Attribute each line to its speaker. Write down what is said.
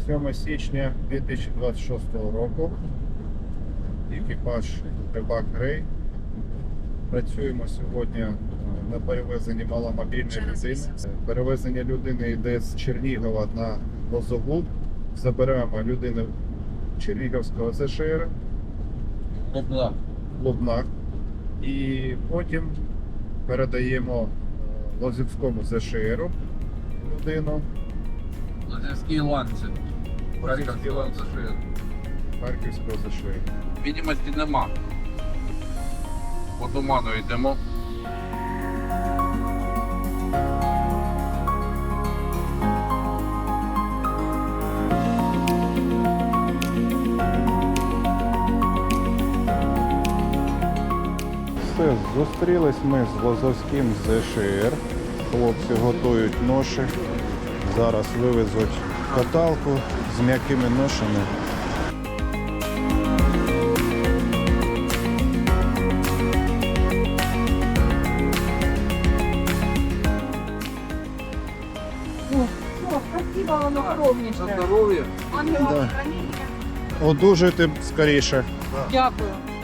Speaker 1: 7 січня 2026 року. Екіпаж Рибак Грей. Працюємо сьогодні на перевезенні маломобільної людини. Перевезення людини йде з Чернігова на Лозову. Заберемо людину Чернігівського ЗШР. Лубнах. І потім передаємо Лозівському ЗШРу людину.
Speaker 2: Лозівський ланцет. Харківський ланцет.
Speaker 1: Харківського ЗШР.
Speaker 2: Відомості нема. По туману йдемо.
Speaker 1: Все, зустрілись ми з Лозовським ЗШР. Хлопці готують ноші. Зараз вивезуть каталку з м'якими ношами.
Speaker 3: Спасибо, воно огромніше.
Speaker 2: За здоров'я.
Speaker 3: Ангела
Speaker 1: Да.
Speaker 3: хранителя.
Speaker 1: Одужуйте скоріше.
Speaker 3: Дякую.